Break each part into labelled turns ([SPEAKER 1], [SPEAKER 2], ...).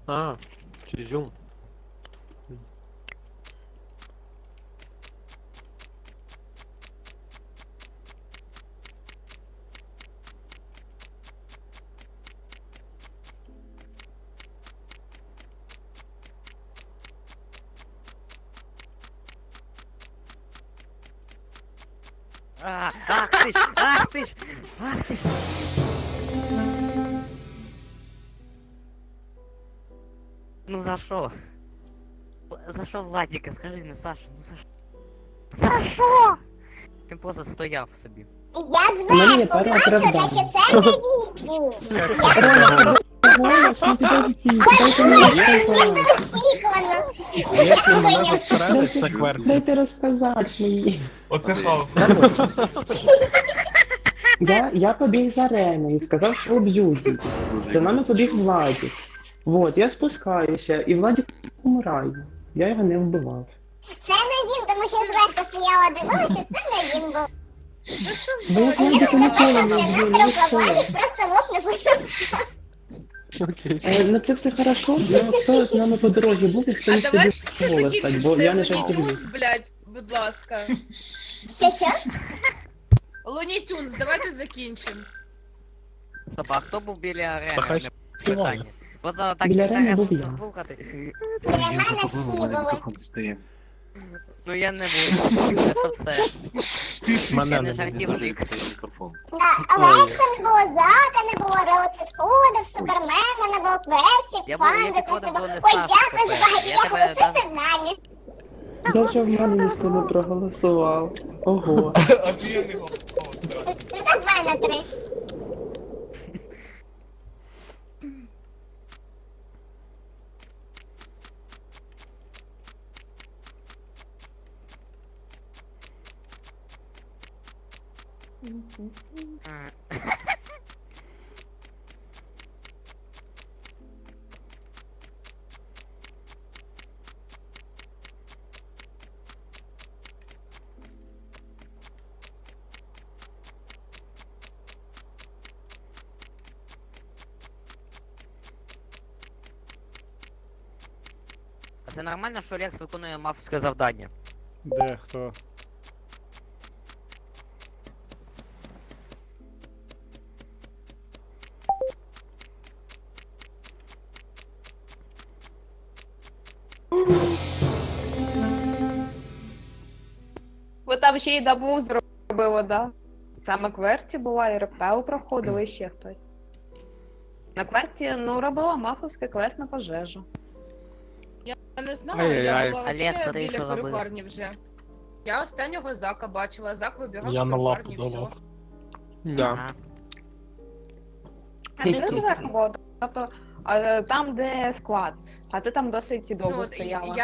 [SPEAKER 1] А, Изюм.
[SPEAKER 2] Ах ты ж, ах ты ж, ах ты ж. Ну за що? За що Владіка? Скажи мені, Саша, ну за що? За що? Він просто стояв собі.
[SPEAKER 3] У мене є
[SPEAKER 4] Я
[SPEAKER 3] пара
[SPEAKER 4] зверху бачу, та
[SPEAKER 3] оправдань.
[SPEAKER 4] що це не відео.
[SPEAKER 3] Рома, в тебе голос, ну підождіть, дайте мені сказати.
[SPEAKER 4] Очікувано.
[SPEAKER 1] Якщо мене застрелить, це кверті.
[SPEAKER 3] Дайте розказати мені.
[SPEAKER 5] Оце хаос.
[SPEAKER 3] Я побіг за Реною, сказав, що об'юзить. За нами побіг Владик. Вот, я спускаюся, і Владик помирає. Я його не вбивав.
[SPEAKER 4] Це не він, тому що зверху стояла, дивилася, це не він був.
[SPEAKER 3] Бо я Владика ніколи не вб'ю, ну і все.
[SPEAKER 4] Просто лопнув.
[SPEAKER 1] Окей.
[SPEAKER 3] Ну це все хорошо, але хто з нами по дорозі був, і хто
[SPEAKER 6] А
[SPEAKER 3] міг тобі
[SPEAKER 6] давайте
[SPEAKER 3] голос стати,
[SPEAKER 6] закінчимо
[SPEAKER 3] бо я не
[SPEAKER 6] цей Looney
[SPEAKER 3] жартую.
[SPEAKER 6] Tunes, блядь, будь ласка.
[SPEAKER 4] Що?
[SPEAKER 6] Looney Tunes, давайте закінчимо.
[SPEAKER 2] Стоп, а хто був біля арени?
[SPEAKER 1] Та хай
[SPEAKER 2] Мене
[SPEAKER 1] співає.
[SPEAKER 2] питання. Просто так
[SPEAKER 3] Біля арени був
[SPEAKER 2] інтересно
[SPEAKER 3] я.
[SPEAKER 2] послухати.
[SPEAKER 4] Біля мене всі були.
[SPEAKER 2] Ну я не буду, це все.
[SPEAKER 1] Мене
[SPEAKER 2] Я не
[SPEAKER 1] не
[SPEAKER 2] жартівник.
[SPEAKER 4] На Алекса не було, Зака не було, Роуд підходив, Супермена не було, Кверті,
[SPEAKER 2] Я
[SPEAKER 4] Панда теж
[SPEAKER 2] підходив
[SPEAKER 4] не було.
[SPEAKER 2] до
[SPEAKER 4] Ой,
[SPEAKER 2] Саші
[SPEAKER 4] дякую за
[SPEAKER 2] тепер.
[SPEAKER 4] багато,
[SPEAKER 2] Я
[SPEAKER 4] я
[SPEAKER 2] тебе
[SPEAKER 4] голосую за нами.
[SPEAKER 3] Даже в мене ніхто не проголосував. Ого.
[SPEAKER 5] А ти я не голосував.
[SPEAKER 4] Ну так 2 на 3.
[SPEAKER 2] А це нормально, що Лекс виконує мафське завдання?
[SPEAKER 7] Де хто?
[SPEAKER 8] Ви там ще й дабу зробили, да? Саме Кверті була, і Рептау проходила, і ще хтось. На Кверті, ну, робила мафовський квест на пожежу.
[SPEAKER 6] Я не знаю,
[SPEAKER 1] Ай-яй-яй.
[SPEAKER 6] я була
[SPEAKER 2] Алекса,
[SPEAKER 6] вообще
[SPEAKER 2] ти що
[SPEAKER 6] біля
[SPEAKER 2] робила?
[SPEAKER 6] перукарні вже. Я останнього Зака бачила, Зак вибігав
[SPEAKER 1] Я
[SPEAKER 6] з
[SPEAKER 1] на лапу
[SPEAKER 6] перукарні, все.
[SPEAKER 1] давав. Да.
[SPEAKER 2] Ага.
[SPEAKER 8] А ти зверху була, тобто там, де склад, а ти там досить довго
[SPEAKER 6] Ну,
[SPEAKER 8] стояла.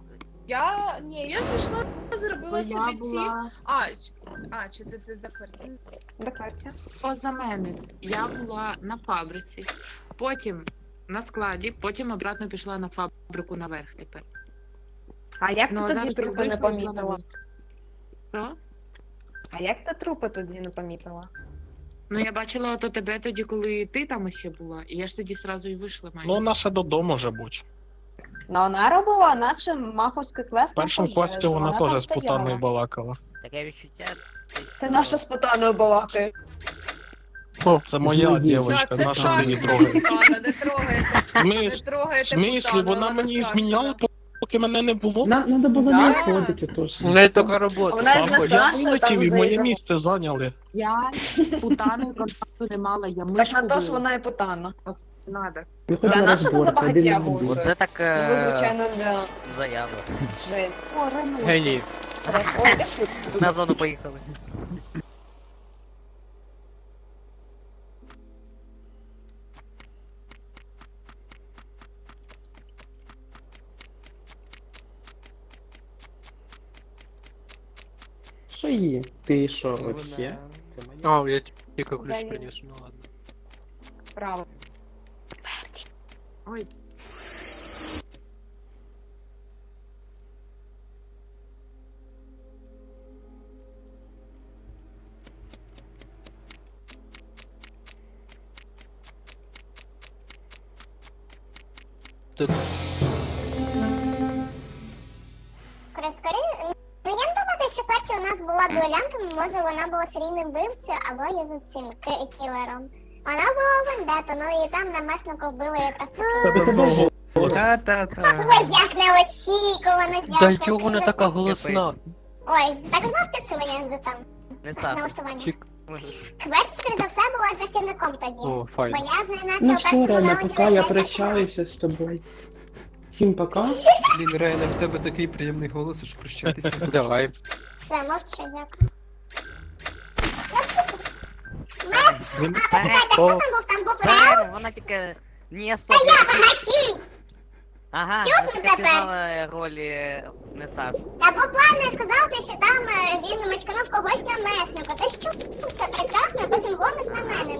[SPEAKER 6] я зайшла, зробила собі ці...
[SPEAKER 9] була
[SPEAKER 6] Чи ти до квартири?
[SPEAKER 8] До Кверті.
[SPEAKER 9] поза мене. Я була на фабриці, потім на складі, потім обратно пішла на фабрику наверх тепер.
[SPEAKER 8] А як
[SPEAKER 9] Ну, а
[SPEAKER 8] ти тоді
[SPEAKER 9] зараз
[SPEAKER 8] трупи не
[SPEAKER 9] я вийшла і
[SPEAKER 8] помітила?
[SPEAKER 9] знову. Що?
[SPEAKER 8] А як ти трупи тоді не помітила?
[SPEAKER 9] Ну я бачила ото тебе тоді, коли ти там ще була, і я ж тоді сразу і вийшла майже.
[SPEAKER 1] Ну, вона ще додому вже будь.
[SPEAKER 8] Ну, вона робила, наче мафовський квест
[SPEAKER 1] В
[SPEAKER 8] на
[SPEAKER 1] першому
[SPEAKER 8] пожежу.
[SPEAKER 1] квесті вона
[SPEAKER 8] там
[SPEAKER 1] теж з
[SPEAKER 8] стояла.
[SPEAKER 1] путаною балакала.
[SPEAKER 2] Таке відчуття.
[SPEAKER 8] Ти наша з путаною балакає.
[SPEAKER 1] О, це моя
[SPEAKER 3] Злодій.
[SPEAKER 1] дівчинка,
[SPEAKER 6] це
[SPEAKER 1] наша мені
[SPEAKER 6] Сашина
[SPEAKER 1] трогає.
[SPEAKER 6] путана, не трогайте, не
[SPEAKER 1] В
[SPEAKER 6] трогайте
[SPEAKER 1] смислі,
[SPEAKER 6] путану,
[SPEAKER 1] вона мені
[SPEAKER 6] Сашина.
[SPEAKER 1] зміняла, поки мене не було?
[SPEAKER 3] Надо було
[SPEAKER 8] Да.
[SPEAKER 3] не виходити, тож.
[SPEAKER 1] У неї така робота.
[SPEAKER 8] Вона ж
[SPEAKER 1] Папа,
[SPEAKER 8] не
[SPEAKER 1] я
[SPEAKER 8] Саша,
[SPEAKER 1] вилетів
[SPEAKER 8] там
[SPEAKER 1] і моє
[SPEAKER 8] заіграла.
[SPEAKER 1] місце зайняли.
[SPEAKER 9] Я з путаною контакту не мала, я
[SPEAKER 8] Так
[SPEAKER 9] мишку
[SPEAKER 8] на то ж
[SPEAKER 9] била.
[SPEAKER 8] вона і путана.
[SPEAKER 9] Надо.
[SPEAKER 3] Виходь
[SPEAKER 8] Для
[SPEAKER 3] на
[SPEAKER 8] нашого
[SPEAKER 3] розборку,
[SPEAKER 8] забагаття
[SPEAKER 3] один на
[SPEAKER 8] голосує.
[SPEAKER 3] один.
[SPEAKER 2] Оце так
[SPEAKER 8] Ну, ви, звичайно, да.
[SPEAKER 2] заява.
[SPEAKER 8] Жесть. О, Ренуса.
[SPEAKER 1] Геній.
[SPEAKER 8] Ой, де ж ви тут?
[SPEAKER 2] На зону поїхали.
[SPEAKER 3] Що є? Ти що, вообще? Це моя.
[SPEAKER 1] А, я тільки ключ
[SPEAKER 8] Дай.
[SPEAKER 1] приніс, ну ладно.
[SPEAKER 8] Право.
[SPEAKER 9] Ой,
[SPEAKER 1] Тут
[SPEAKER 4] Скоріше, ну я не думаю, що Кверті у нас була дуелянтом, може вона була серійним вбивцею або є цим кілером. Вона була вендета, ну і там на меснику вбили якраз таки.
[SPEAKER 1] тебе
[SPEAKER 2] Та-та-та.
[SPEAKER 4] Ой, як неочікувано,
[SPEAKER 1] Та
[SPEAKER 4] дякую.
[SPEAKER 1] чого вона така голосна?
[SPEAKER 4] Ой, так знав підсилення там,
[SPEAKER 2] Не Саша.
[SPEAKER 4] налаштування.
[SPEAKER 1] Чик.
[SPEAKER 4] Кверті, скоріше за все, була жартівником тоді.
[SPEAKER 1] О,
[SPEAKER 4] Бо
[SPEAKER 1] файно.
[SPEAKER 4] я з нею наче
[SPEAKER 3] Ну
[SPEAKER 4] у
[SPEAKER 3] все,
[SPEAKER 4] першому
[SPEAKER 3] Рена,
[SPEAKER 4] раунді
[SPEAKER 3] пока, я
[SPEAKER 4] розмовляла.
[SPEAKER 3] прощаюся з тобою. Всім пока.
[SPEAKER 7] Блін, Рейна, в тебе такий приємний голос, аж прощатись не хочеться.
[SPEAKER 1] Давай.
[SPEAKER 4] Все, мовчу, дякую.
[SPEAKER 1] Він...
[SPEAKER 4] Почекайте, хто
[SPEAKER 1] О,
[SPEAKER 4] там був? Там був
[SPEAKER 2] Правильно,
[SPEAKER 4] Реут?
[SPEAKER 2] вона тільки... Ні, стоп.
[SPEAKER 4] Багатій!
[SPEAKER 2] Ага,
[SPEAKER 4] Чого
[SPEAKER 2] вона
[SPEAKER 4] ти
[SPEAKER 2] тільки
[SPEAKER 4] тепер?
[SPEAKER 2] пізнала ролі не Сашу.
[SPEAKER 4] Та буквально сказав ти, що там він мочканув когось на меснику. Ти що? Це прекрасно, а потім гониш на мене.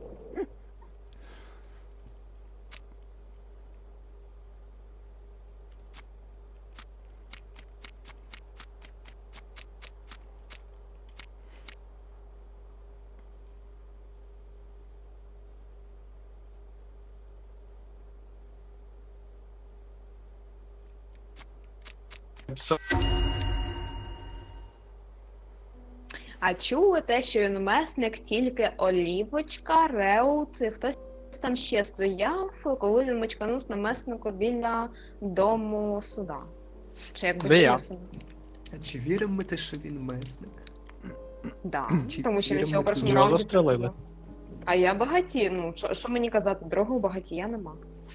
[SPEAKER 8] А чули те, що він месник тільки Олівочка, Реут і хтось там ще стояв, коли він мочканув на меснику біля дому суда. Чи як
[SPEAKER 1] Де я?
[SPEAKER 8] суду?
[SPEAKER 7] А чи віримо ми те, що він месник?
[SPEAKER 8] Да.
[SPEAKER 7] Чи
[SPEAKER 8] Тому що він ще
[SPEAKER 7] віримо
[SPEAKER 8] у першому
[SPEAKER 1] Його
[SPEAKER 8] раунді це
[SPEAKER 1] застрелили.
[SPEAKER 8] сказав. А я багаті, ну що мені казати, другого багатія нема.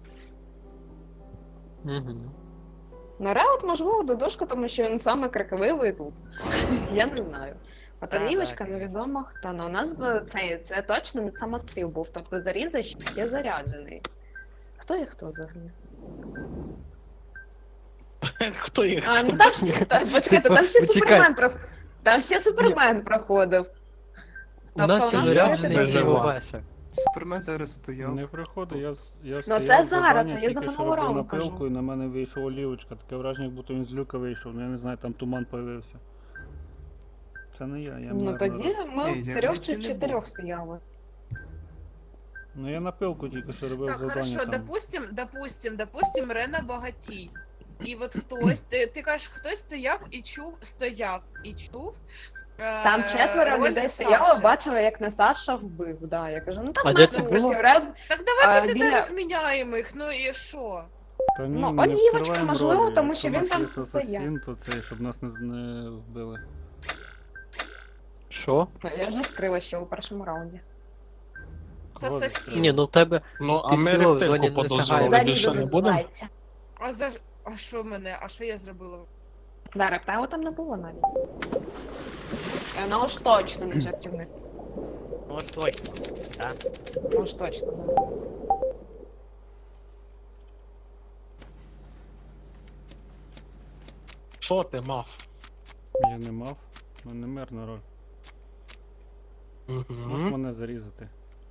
[SPEAKER 1] Угу.
[SPEAKER 8] Ну, Реут, можливо, додошка, тому що він саме крикливий тут. Я не знаю. От
[SPEAKER 2] Так,
[SPEAKER 8] Олівочка,
[SPEAKER 2] так.
[SPEAKER 8] невідомо хто. Ну, у нас це точно не самостріл був, тобто заріза ще заряджений. Хто є хто взагалі?
[SPEAKER 1] Хто їх?
[SPEAKER 8] А, ну там ще, почекайте, там ще
[SPEAKER 1] Почекай.
[SPEAKER 8] Супермен там ще Супермен проходив.
[SPEAKER 1] У нас ще
[SPEAKER 8] Тобто,
[SPEAKER 1] заряджений
[SPEAKER 8] це
[SPEAKER 1] Сівовеса.
[SPEAKER 7] Супермен зараз стояв.
[SPEAKER 10] Не приходить, я
[SPEAKER 8] Ну,
[SPEAKER 10] стояв
[SPEAKER 8] це
[SPEAKER 10] в
[SPEAKER 8] зараз,
[SPEAKER 10] завданні,
[SPEAKER 8] а я за
[SPEAKER 10] тільки що
[SPEAKER 8] минулого
[SPEAKER 10] робив
[SPEAKER 8] раунду кажу.
[SPEAKER 10] напилку, і на мене вийшов Олівочка. Таке враження, як будто він з люка вийшов, ну я не знаю, там туман появився. Це не я
[SPEAKER 8] Ну
[SPEAKER 10] мирно
[SPEAKER 8] тоді ми
[SPEAKER 7] Ні, я
[SPEAKER 8] трьох
[SPEAKER 7] це
[SPEAKER 8] чи
[SPEAKER 7] не
[SPEAKER 8] чотирьох
[SPEAKER 7] був.
[SPEAKER 8] стояли.
[SPEAKER 10] Ну я напилку тільки що робив
[SPEAKER 6] Так,
[SPEAKER 10] завдання
[SPEAKER 6] хорошо,
[SPEAKER 10] там.
[SPEAKER 6] допустим, Рена багатій. І от хтось, ти кажеш, хтось стояв і чув.
[SPEAKER 8] Там четверо
[SPEAKER 6] роль
[SPEAKER 8] людей
[SPEAKER 6] Саші.
[SPEAKER 8] стояло, бачили, як не Саша вбив. Да, я кажу, ну там
[SPEAKER 1] А де це
[SPEAKER 8] месник
[SPEAKER 1] було?
[SPEAKER 8] працює. Раз,
[SPEAKER 6] Так давай ми
[SPEAKER 8] біля-
[SPEAKER 6] тебе розміняємо їх, ну і що?
[SPEAKER 10] Та ні,
[SPEAKER 8] Ну,
[SPEAKER 10] ми не
[SPEAKER 8] Олівочка,
[SPEAKER 10] вскриваємо
[SPEAKER 8] можливо,
[SPEAKER 10] ролі.
[SPEAKER 8] тому що
[SPEAKER 10] Якщо
[SPEAKER 8] він
[SPEAKER 10] у
[SPEAKER 8] там
[SPEAKER 10] нас є
[SPEAKER 8] стояв.
[SPEAKER 10] асасін, то це, щоб нас не вбили.
[SPEAKER 1] Що?
[SPEAKER 8] я вже скрила ще у першому раунді.
[SPEAKER 6] Це
[SPEAKER 10] Ладно.
[SPEAKER 6] сосід.
[SPEAKER 1] Ні, ну в тебе...
[SPEAKER 11] Ну,
[SPEAKER 1] Ти
[SPEAKER 11] а ми
[SPEAKER 1] цілого в зоні
[SPEAKER 11] рептильку
[SPEAKER 1] не
[SPEAKER 11] подозрювали
[SPEAKER 1] сягаєш.
[SPEAKER 11] більше
[SPEAKER 8] Залізо
[SPEAKER 11] не будемо?
[SPEAKER 8] називається.
[SPEAKER 6] А що мене? А що я зробила?
[SPEAKER 8] Да, рептайлу там не було навіть. І вона уж точно не жартівник.
[SPEAKER 2] Ну, от точно. Так.
[SPEAKER 8] Уж точно. Да.
[SPEAKER 11] Що ти мав?
[SPEAKER 10] Я не мав, ну не мирна роль. Можеш
[SPEAKER 11] Угу.
[SPEAKER 10] мене зарізати.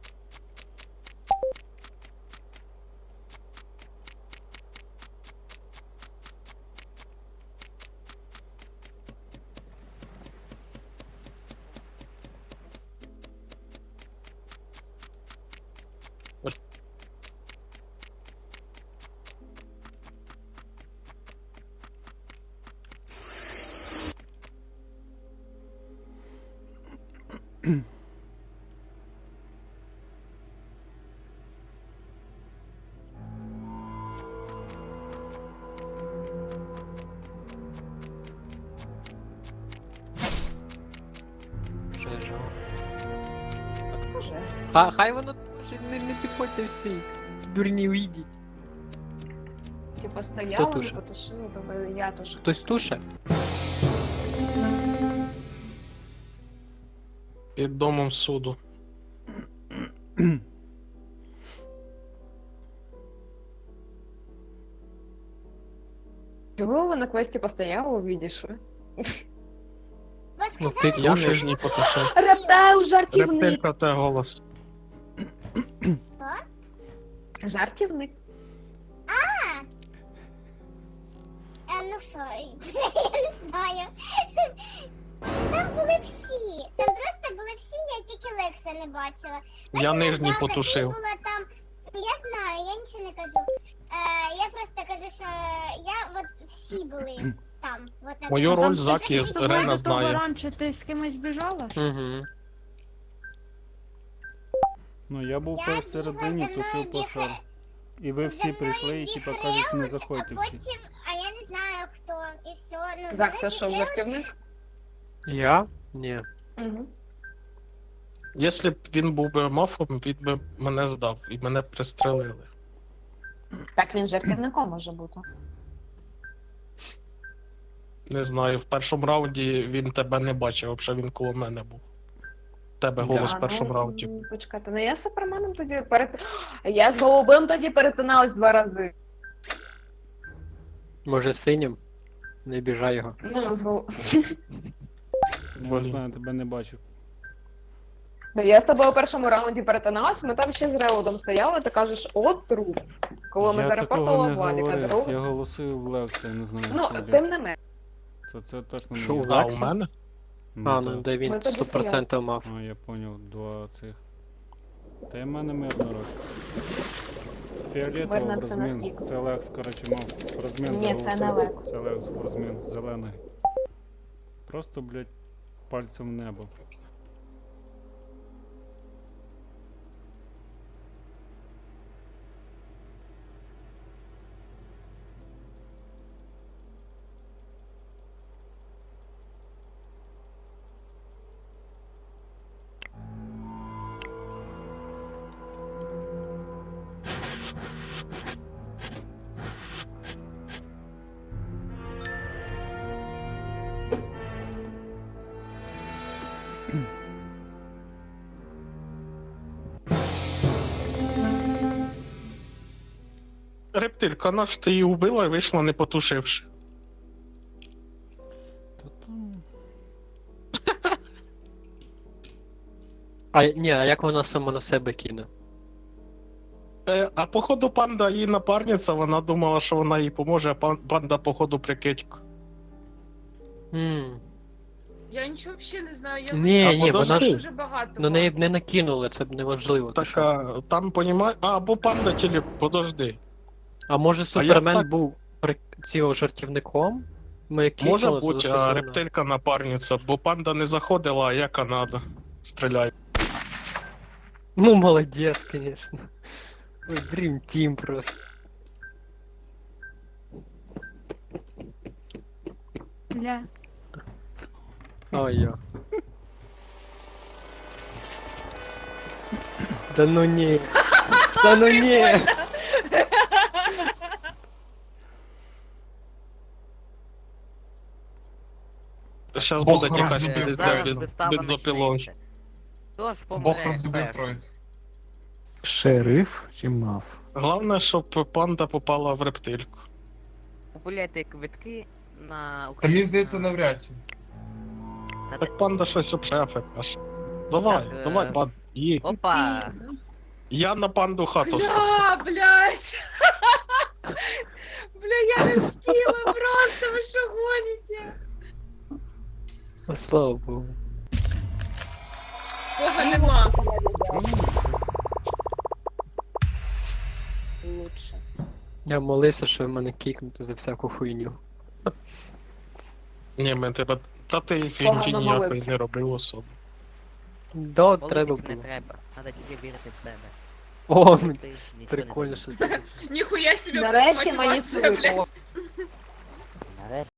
[SPEAKER 8] Може.
[SPEAKER 1] Хай воно не підходьте всі. Дурні уйдіть.
[SPEAKER 8] Типа стояла, не
[SPEAKER 1] туше?
[SPEAKER 8] потушила, то я тушу.
[SPEAKER 1] Хтось туше?
[SPEAKER 11] Під домом суду.
[SPEAKER 8] Чого ви на квесті постояли, відійшли?
[SPEAKER 4] Ви
[SPEAKER 1] Ну
[SPEAKER 4] сказали,
[SPEAKER 1] ти
[SPEAKER 11] Я
[SPEAKER 1] тушиш.
[SPEAKER 11] нижній потушив.
[SPEAKER 8] Рептайл жартівник!
[SPEAKER 11] Рептилька те голос.
[SPEAKER 8] Жартівник.
[SPEAKER 4] ну що, я не знаю. Там були всі. Там просто були всі, я тільки Лекса не бачила.
[SPEAKER 11] Я
[SPEAKER 4] Наче
[SPEAKER 11] нижній
[SPEAKER 4] Назар такий
[SPEAKER 11] потушив.
[SPEAKER 4] була там. Я знаю, я нічого не кажу. Я просто кажу, що я от всі були там. От на
[SPEAKER 11] Мою
[SPEAKER 4] тому.
[SPEAKER 11] роль Закі
[SPEAKER 4] Що
[SPEAKER 11] Рена знає.
[SPEAKER 8] раніше ти з кимось біжала?
[SPEAKER 11] Угу.
[SPEAKER 10] Ну я був
[SPEAKER 4] Я
[SPEAKER 10] посередині,
[SPEAKER 4] бігла, за
[SPEAKER 10] тушив
[SPEAKER 4] мною
[SPEAKER 10] пожар.
[SPEAKER 4] біг-
[SPEAKER 10] І ви
[SPEAKER 4] за
[SPEAKER 10] всі
[SPEAKER 4] мною
[SPEAKER 10] прийшли і
[SPEAKER 4] біг
[SPEAKER 10] типа кажуть, не
[SPEAKER 4] Реут,
[SPEAKER 10] заходьте
[SPEAKER 4] а
[SPEAKER 10] всі.
[SPEAKER 4] потім, а я не знаю хто, і все. Ну,
[SPEAKER 8] Зак,
[SPEAKER 4] за
[SPEAKER 8] це
[SPEAKER 4] мною
[SPEAKER 8] що,
[SPEAKER 4] біг Реут.
[SPEAKER 8] жартівник?
[SPEAKER 11] Я? Ні.
[SPEAKER 8] Угу.
[SPEAKER 11] Якщо б він був би мафом, він би мене здав і мене пристрелили.
[SPEAKER 8] Так він жартівником може бути.
[SPEAKER 11] Не знаю, в першому раунді він тебе не бачив, взагалі він коло мене був. Тебе голос в першому раунді.
[SPEAKER 8] Почекайте, ну я з Суперменом тоді Я з голубим тоді перетиналась 2 рази.
[SPEAKER 11] Може синім? Не біжай його.
[SPEAKER 8] Ну, з гол...
[SPEAKER 10] Я не знаю, тебе не бачив.
[SPEAKER 8] Ну, я з тобою у першому раунді перетиналась, ми там ще з Реудом стояли, ти кажеш, от труп. Коли ми
[SPEAKER 10] Я
[SPEAKER 8] зарепортували
[SPEAKER 10] такого не
[SPEAKER 8] Владіка,
[SPEAKER 10] говорив.
[SPEAKER 8] друг.
[SPEAKER 10] Я голосив в Левце, я не знаю.
[SPEAKER 8] Ну,
[SPEAKER 10] хто
[SPEAKER 8] тим
[SPEAKER 10] де.
[SPEAKER 8] не менше.
[SPEAKER 10] То це точно не
[SPEAKER 11] Що,
[SPEAKER 10] я.
[SPEAKER 11] у А, у мене? А, ну
[SPEAKER 10] так.
[SPEAKER 11] де він
[SPEAKER 8] Ми тоді
[SPEAKER 11] 100% мав.
[SPEAKER 10] А, я понял, два цих. Та й в мене мирно роль. Фіолетово
[SPEAKER 8] Мирно
[SPEAKER 10] в
[SPEAKER 8] це
[SPEAKER 10] розмін.
[SPEAKER 8] наскільки?
[SPEAKER 10] Це Лекс, коротше, мав в розмін.
[SPEAKER 8] Ні, це не
[SPEAKER 10] заголосив.
[SPEAKER 8] Лекс.
[SPEAKER 10] Це Лекс в розмін, зелений. Просто, блядь, пальцем в небо.
[SPEAKER 11] Рептилька, наш ти її вбила і вийшла не потушивши.
[SPEAKER 10] Та там...
[SPEAKER 11] А ні, а як вона сама на себе кине? А походу панда її напарниця, вона думала, що вона їй поможе, а панда походу прикидько.
[SPEAKER 6] Я нічого взагалі не знаю, я
[SPEAKER 11] Ні,
[SPEAKER 6] лише
[SPEAKER 11] ні,
[SPEAKER 6] бачила,
[SPEAKER 11] вона
[SPEAKER 6] що
[SPEAKER 11] ж-
[SPEAKER 6] дуже багато
[SPEAKER 11] Ну неї б
[SPEAKER 6] вас.
[SPEAKER 11] не накинули, це б неважливо.
[SPEAKER 10] Так,
[SPEAKER 11] а там понімає. А, або панда тілі, подожди. А може
[SPEAKER 10] Супермен
[SPEAKER 11] Супермен був цього жартівником? Ми
[SPEAKER 10] Може бути, а рептилька напарниця, бо панда не заходила, а я Канада. Стріляю.
[SPEAKER 11] Ну, молодець, конечно. Ой, Dream Team просто.
[SPEAKER 8] Ля.
[SPEAKER 11] Ой, я. Да ну ні. Да ну ні. Зараз
[SPEAKER 5] Бог
[SPEAKER 11] буде якась
[SPEAKER 5] розбив
[SPEAKER 2] Зараз вистава
[SPEAKER 11] бензопилою.
[SPEAKER 2] почнеться. Хто ж
[SPEAKER 5] Бог
[SPEAKER 2] помре
[SPEAKER 5] розлюбив
[SPEAKER 2] першим?
[SPEAKER 5] троїць.
[SPEAKER 7] Шериф чи мав?
[SPEAKER 11] Головне, щоб панда попала в рептильку.
[SPEAKER 2] Купуйте квитки на
[SPEAKER 5] Та мені здається, навряд чи.
[SPEAKER 11] Так панда щось обшефе каже. Давай,
[SPEAKER 2] Так,
[SPEAKER 11] давай, панда. Їдь.
[SPEAKER 2] Опа!
[SPEAKER 11] Я на панду хату ставлю.
[SPEAKER 6] Блядь! Бля, я не спіла просто, ви що гоніте?
[SPEAKER 11] Слава Богу.
[SPEAKER 6] Бога нема.
[SPEAKER 8] Лучше.
[SPEAKER 11] Я молився, що в мене кікнути за всяку хуйню. Ні, ми тебе. Та ти фінки
[SPEAKER 8] Погано
[SPEAKER 11] ніякої
[SPEAKER 8] молився.
[SPEAKER 11] не робив особо. Да, треба
[SPEAKER 2] Молитись не
[SPEAKER 11] було.
[SPEAKER 2] треба, треба тільки вірити в себе.
[SPEAKER 11] О,
[SPEAKER 2] Ти нічого не
[SPEAKER 11] прикольно,
[SPEAKER 2] зробиш.
[SPEAKER 11] що це.
[SPEAKER 6] Ніхуя себе
[SPEAKER 8] Нарешті мені
[SPEAKER 6] мотивація,
[SPEAKER 8] цвітло.
[SPEAKER 6] блядь.
[SPEAKER 2] Нарешті.